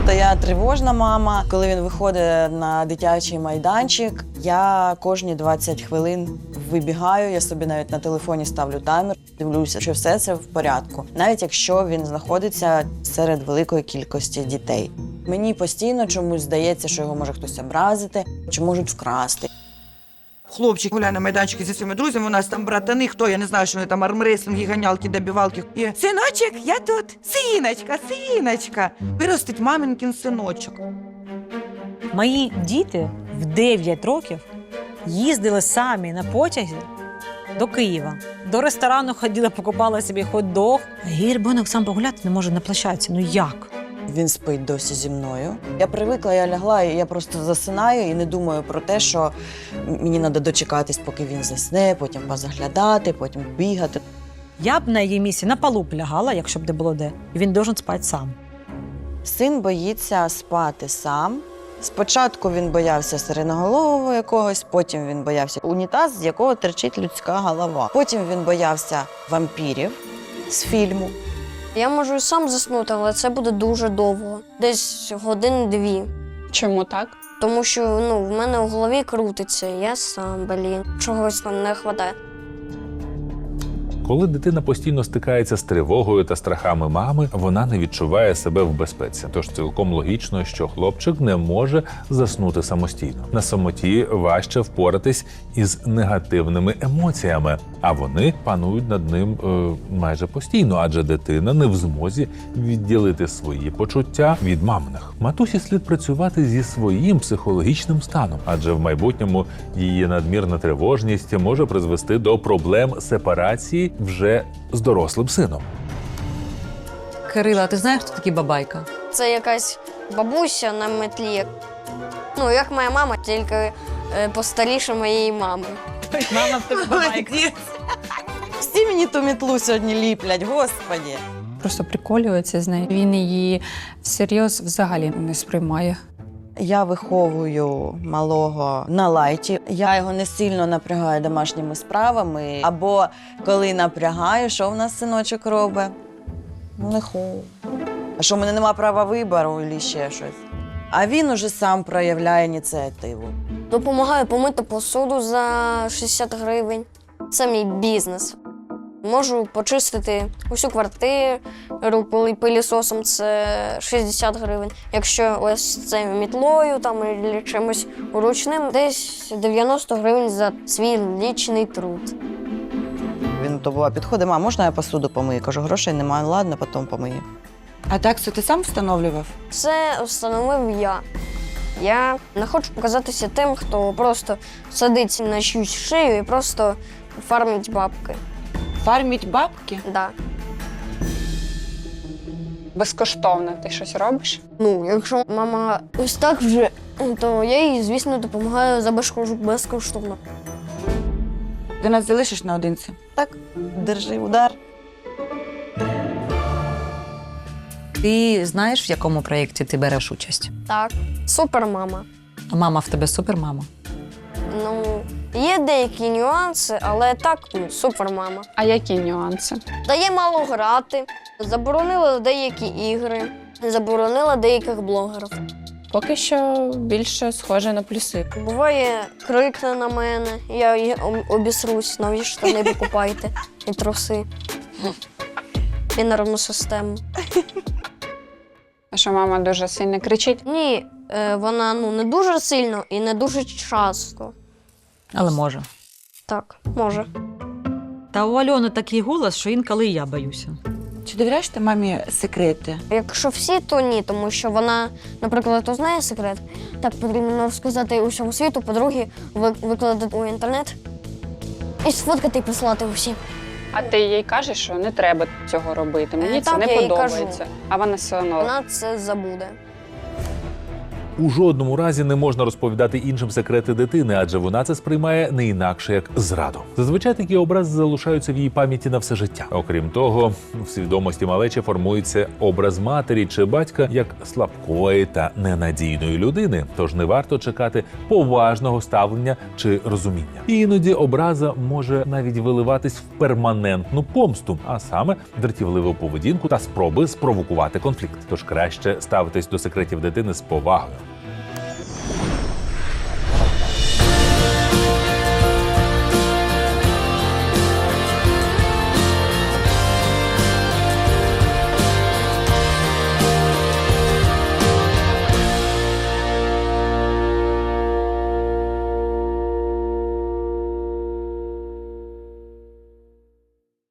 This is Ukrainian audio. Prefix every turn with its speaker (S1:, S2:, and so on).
S1: То я тривожна мама. Коли він виходить на дитячий майданчик, я кожні 20 хвилин вибігаю, я собі навіть на телефоні ставлю таймер, дивлюся, що все це в порядку. Навіть якщо він знаходиться серед великої кількості дітей. Мені постійно чомусь здається, що його може хтось образити, чи можуть вкрасти.
S2: Хлопчик гуляє на майданчику зі своїми друзями, у нас там братани, хто, я не знаю, що вони там армреслінги, ганялки, добівалки. І синочок, я тут, синочка, синочка. Виростить маминкин синочок.
S3: Мої діти в 9 років їздили самі на потязі до Києва. До ресторану ходила, покупала собі хот-дог. А її ребенок сам погуляти не може на площадці. Ну як?
S1: Він спить досі зі мною. Я привикла, я лягла, і я просто засинаю і не думаю про те, що мені треба дочекатись, поки він засне, потім позаглядати, потім бігати.
S3: Я б на її місці на полу б лягала, якщо б не було де. І він должен спати сам.
S1: Син боїться спати сам. Спочатку він боявся сиреноголового якогось, потім він боявся унітаз, з якого терчить людська голова. Потім він боявся вампірів з фільму.
S4: Я можу і сам заснути, але це буде дуже довго. Десь годин-дві.
S5: Чому так?
S4: Тому що в мене в голові крутиться, я сам, чогось там не вистачає.
S6: Коли дитина постійно стикається з тривогою та страхами мами, вона не відчуває себе в безпеці. Тож цілком логічно, що хлопчик не може заснути самостійно. На самоті важче впоратись із негативними емоціями, а вони панують над ним майже постійно, адже дитина не в змозі відділити свої почуття від маминих. Матусі слід працювати зі своїм психологічним станом, адже в майбутньому її надмірна тривожність може призвести до проблем сепарації вже з дорослим сином.
S7: Кирила, ти знаєш, хто такий бабайка?
S4: Це якась бабуся на метлі. Як моя мама, тільки постаріше моєї мами.
S3: Мама в тебе бабайка.
S1: Всі мені ту мітлу сьогодні ліплять, господі.
S5: Просто приколюється з нею. Він її всерйоз взагалі не сприймає.
S1: Я виховую малого на лайті. Я його не сильно напрягаю домашніми справами. Або коли напрягаю, що в нас синочок робить? Лихо. А що, в мене нема права вибору або ще щось? А він уже сам проявляє ініціативу.
S4: Допомагаю помити посуду за 60 гривень. Це мій бізнес. Можу почистити усю квартиру пилісосом, це 60 гривень. Якщо ось це мітлою там, або чимось ручним, десь 90 гривень за свій лічний труд.
S1: Він то буває підходить: мам, можна я посуду помию? Кажу, грошей немає, ладно, потім помию.
S2: А так, це ти сам встановлював?
S4: Це встановив я. Я не хочу показатися тим, хто просто садить на чиюсь шию і просто фармить бабки.
S5: Фарміть бабки?
S4: Да.
S5: Безкоштовно ти щось робиш?
S4: Якщо мама ось так вже, то я їй, звісно, допомагаю безкоштовно.
S2: Ти нас залишиш наодинці?
S1: Так, держи удар.
S7: Ти знаєш, в якому проєкті ти береш участь?
S4: Так, супермама.
S7: А мама в тебе супермама?
S4: Є деякі нюанси, але так, супермама.
S5: А які нюанси?
S4: Дає мало грати, заборонила деякі ігри, заборонила деяких блогерів.
S5: Поки що більше схоже на плюси.
S4: Буває, крикне на мене, я її обісрусь, нові штани покупайте і труси. І нервну систему.
S5: А що мама дуже сильно кричить?
S4: Ні, вона не дуже сильно і не дуже часто.
S3: Але може.
S4: Так, може.
S3: Та у Альони такий голос, що інколи і я боюся.
S2: Чи довіряєш ти мамі секрети?
S4: Якщо всі, то ні, тому що вона, наприклад, то знає секрет. Так потрібно розказати усьому світу, по-друге, викладати у інтернет і сфоткати і прислати усім.
S5: А ти їй кажеш, що не треба цього робити. Мені це
S4: Так,
S5: не
S4: я їй
S5: подобається.
S4: кажу.
S5: А вона все одно.
S4: Вона це забуде.
S6: У жодному разі не можна розповідати іншим секрети дитини, адже вона це сприймає не інакше як зраду. Зазвичай такі образи залишаються в її пам'яті на все життя. Окрім того, в свідомості малечі формується образ матері чи батька як слабкої та ненадійної людини, тож не варто чекати поважного ставлення чи розуміння. І іноді образа може навіть виливатись в перманентну помсту, а саме дратівливу поведінку та спроби спровокувати конфлікт. Тож краще ставитись до секретів дитини з повагою.